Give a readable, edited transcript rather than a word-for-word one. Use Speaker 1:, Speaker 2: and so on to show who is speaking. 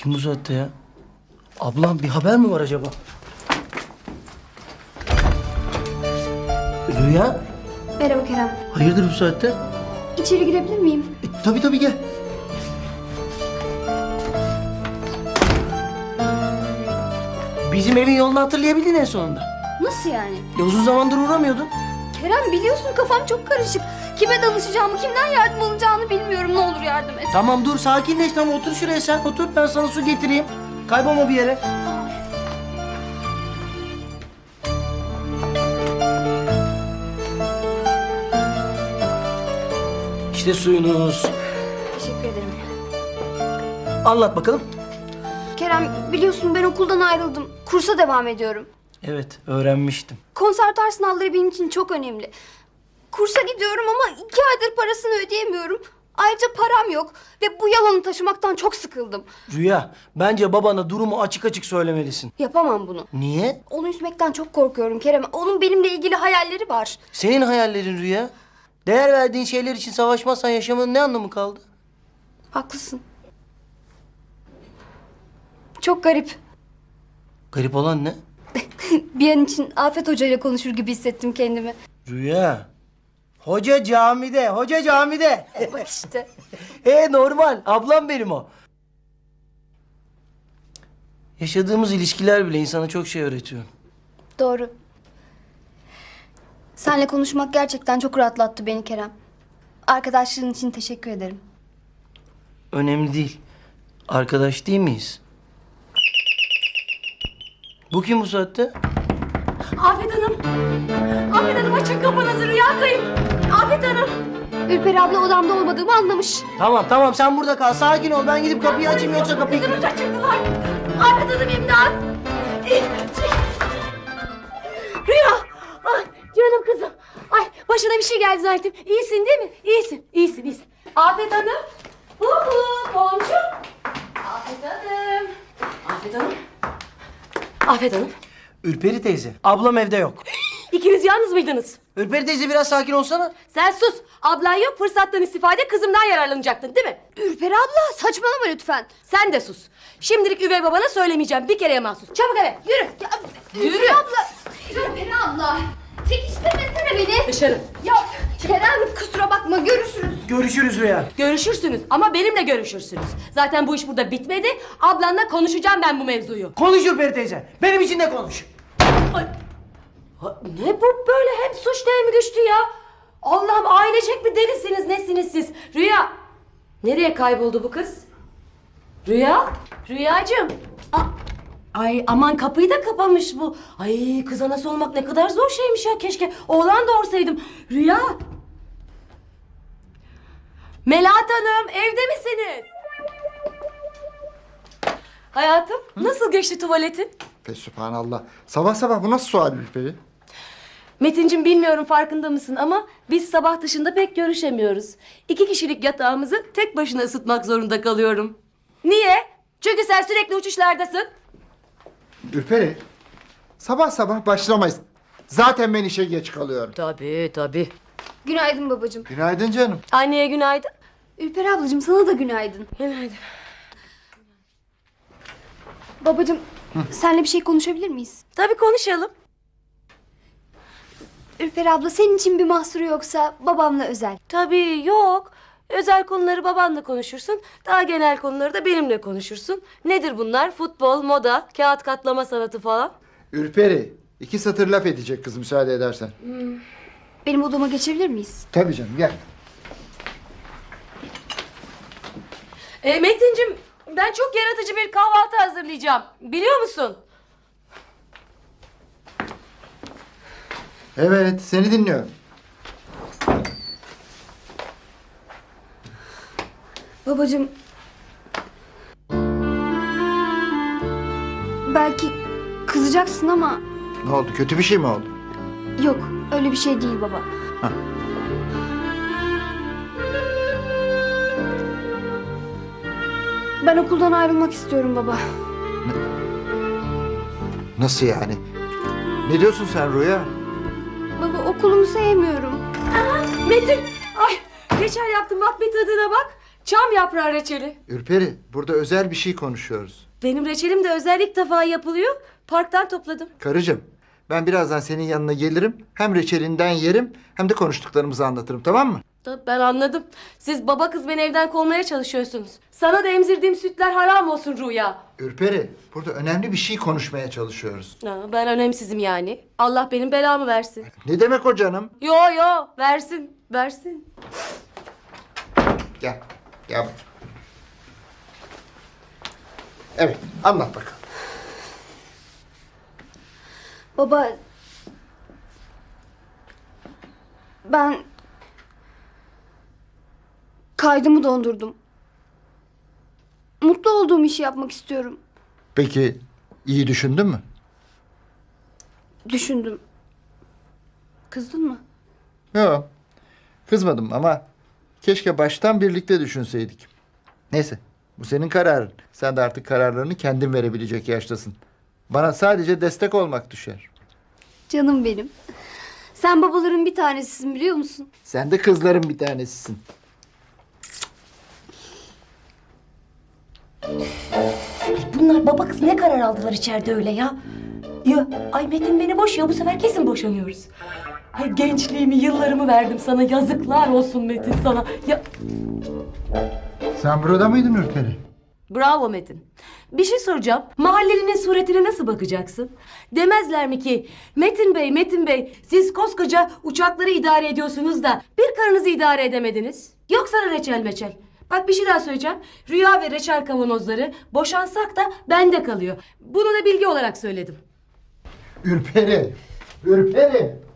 Speaker 1: Kim bu saatte ya? Ablam bir haber mi var acaba? Rüya,
Speaker 2: Merhaba Kerem.
Speaker 1: hayırdır bu saatte?
Speaker 2: İçeri girebilir miyim?
Speaker 1: Tabii gel. Bizim evin yolunu hatırlayabildin en sonunda.
Speaker 2: Nasıl yani?
Speaker 1: Uzun zamandır uğramıyordun.
Speaker 2: Kerem biliyorsun kafam çok karışık. Kime danışacağımı, kimden yardım alacağını bilmiyorum. Ne olur yardım et.
Speaker 1: Tamam dur sakinleş, tamam otur şuraya sen. Otur, ben sana su getireyim. Kaybolma bir yere. İşte suyunuz.
Speaker 2: Teşekkür ederim.
Speaker 1: Anlat bakalım.
Speaker 2: Kerem biliyorsun ben okuldan ayrıldım. Kursa devam ediyorum.
Speaker 1: Evet, öğrenmiştim.
Speaker 2: Konservatuar sınavları benim için çok önemli. Kursa gidiyorum ama 2 aydır parasını ödeyemiyorum. Ayrıca param yok ve bu yalanı taşımaktan çok sıkıldım.
Speaker 1: Rüya, bence babana durumu açık açık söylemelisin.
Speaker 2: Yapamam bunu.
Speaker 1: Niye?
Speaker 2: Onu üzmekten çok korkuyorum Kerem. Onun benimle ilgili hayalleri var.
Speaker 1: Senin hayallerin Rüya. Değer verdiğin şeyler için savaşmazsan yaşamanın ne anlamı kaldı?
Speaker 2: Haklısın. Çok garip.
Speaker 1: Garip olan ne?
Speaker 2: Bir an için Afet Hoca ile konuşur gibi hissettim kendimi.
Speaker 1: Rüya. Hoca camide, hoca camide.
Speaker 2: Bak işte.
Speaker 1: Normal, ablam benim o. Yaşadığımız ilişkiler bile insana çok şey öğretiyor.
Speaker 2: Doğru. Seninle konuşmak gerçekten çok rahatlattı beni Kerem. Arkadaşlığın için teşekkür ederim.
Speaker 1: Önemli değil. Arkadaş değil miyiz? Bu kim bu saatte?
Speaker 3: Afet Hanım. Afet Hanım açın kapınızı, Rüya kayıp. Afet Hanım.
Speaker 2: Ürperi abla odamda olmadığımı anlamış.
Speaker 1: Tamam sen burada kal. Sakin ol. Ben gidip kapıyı açayım yoksa kapıyı...
Speaker 3: Kızımı kaçırdılar. Afet Hanım imdat. Rüya. Ay canım kızım. Ay başına bir şey geldi zaten. İyisin değil mi? İyisin. Afet Hanım. Komşu. Afet Hanım.
Speaker 1: Ürperi teyze. Ablam evde yok.
Speaker 3: İkiniz yalnız mıydınız?
Speaker 1: Ürperi teyze biraz sakin olsana.
Speaker 3: Sen sus. Ablan yok, fırsattan istifade kızımdan yararlanacaktın değil mi?
Speaker 2: Ürperi abla saçmalama lütfen.
Speaker 3: Sen de sus. Şimdilik üvey babana söylemeyeceğim. Bir kereye mahsus. Çabuk eve. Yürü.
Speaker 2: Ürperi abla. Ürperi abla. Çekiştirmesene beni.
Speaker 3: Dışarı.
Speaker 2: Ya Kerem kusura bakma görüşürüz.
Speaker 1: Görüşürüz Rüya.
Speaker 3: Görüşürsünüz ama benimle görüşürsünüz. Zaten bu iş burada bitmedi. Ablanla konuşacağım ben bu mevzuyu.
Speaker 1: Konuş Ürperi teyze. Benim için de konuş.
Speaker 3: Ay. Ne bu böyle hem suç hem düştü ya? Allah'ım ailecek bir delisiniz nesiniz siz? Rüya. Nereye kayboldu bu kız? Rüya. Rüyacığım. Ay aman kapıyı da kapamış bu. Ay kız anası olmak ne kadar zor şeymiş ya. Keşke oğlan doğursaydım. Rüya. Melahat Hanım evde misiniz? Hayatım nasıl geçti tuvaletin?
Speaker 4: Fesübhanallah. Sabah sabah bu nasıl sual Ülperi?
Speaker 3: Metincim bilmiyorum farkında mısın ama biz sabah dışında pek görüşemiyoruz. 2 kişilik yatağımızı tek başına ısıtmak zorunda kalıyorum. Niye? Çünkü sen sürekli uçuşlardasın.
Speaker 4: Ülperi, sabah sabah başlamayız. Zaten ben işe geç kalıyorum.
Speaker 3: Tabii.
Speaker 2: Günaydın babacığım.
Speaker 4: Günaydın canım.
Speaker 3: Anneye günaydın.
Speaker 2: Ürperi ablacığım sana da günaydın.
Speaker 3: Günaydın.
Speaker 2: Babacığım seninle bir şey konuşabilir miyiz?
Speaker 3: Tabii konuşalım.
Speaker 2: Ürperi abla senin için bir mahsuru yoksa babamla özel.
Speaker 3: Tabii yok. Özel konuları babanla konuşursun. Daha genel konuları da benimle konuşursun. Nedir bunlar? Futbol, moda, kağıt katlama sanatı falan.
Speaker 4: Ülperi, 2 satır laf edecek kız müsaade edersen.
Speaker 2: Benim odama geçebilir miyiz?
Speaker 4: Tabii canım gel.
Speaker 3: Metincim ben çok yaratıcı bir kahvaltı hazırlayacağım. Biliyor musun?
Speaker 4: Evet, seni dinliyorum.
Speaker 2: Babacığım. Belki kızacaksın ama
Speaker 4: Ne oldu, kötü bir şey mi oldu?
Speaker 2: yok öyle bir şey değil baba.
Speaker 4: Hah.
Speaker 2: Ben okuldan ayrılmak istiyorum baba.
Speaker 4: Nasıl yani? Ne diyorsun sen Rüya?
Speaker 2: Baba okulumu sevmiyorum.
Speaker 3: Metin, ay reçel yaptım bak bir tadına bak. Çam yaprağı reçeli.
Speaker 4: Ürperi, burada özel bir şey konuşuyoruz.
Speaker 3: Benim reçelim de özel ilk defa yapılıyor. Parktan topladım.
Speaker 4: Karıcığım, ben birazdan senin yanına gelirim. Hem reçelinden yerim hem de konuştuklarımızı anlatırım, tamam mı?
Speaker 3: Ben anladım. Siz baba kız beni evden kovmaya çalışıyorsunuz. Sana da emzirdiğim sütler haram olsun Rüya.
Speaker 4: Ürperi, burada önemli bir şey konuşmaya çalışıyoruz.
Speaker 3: Ben önemsizim yani. Allah benim belamı versin.
Speaker 4: Ne demek o canım?
Speaker 3: Yo versin. Versin.
Speaker 4: Gel, gel. Evet, anlat bakalım.
Speaker 2: Baba... Ben... Kaydımı dondurdum. Mutlu olduğum işi yapmak istiyorum.
Speaker 4: Peki, iyi düşündün mü?
Speaker 2: Düşündüm. Kızdın mı?
Speaker 4: Yok, kızmadım ama keşke baştan birlikte düşünseydik. Neyse, bu senin kararın. Sen de artık kararlarını kendin verebilecek yaştasın. Bana sadece destek olmak düşer.
Speaker 2: Canım benim. Sen babaların bir tanesisin biliyor musun?
Speaker 4: Sen de kızların bir tanesisin.
Speaker 3: Bunlar baba kız ne karar aldılar içeride öyle ya? Ya ay Metin beni boşuyor, bu sefer kesin boşanıyoruz. Ay gençliğimi, yıllarımı verdim sana, yazıklar olsun Metin sana. Ya
Speaker 4: Sen burada mıydın Ürperi?
Speaker 3: bravo Metin. Bir şey soracağım. Mahallelinin suretine nasıl bakacaksın? Demezler mi ki Metin Bey siz koskoca uçakları idare ediyorsunuz da bir karınızı idare edemediniz? Yok sana reçel meçel. Bak bir şey daha söyleyeceğim. Rüya ve reçel kavanozları boşansak da bende kalıyor. Bunu da bilgi olarak söyledim.
Speaker 4: Ürperi! Ürperi!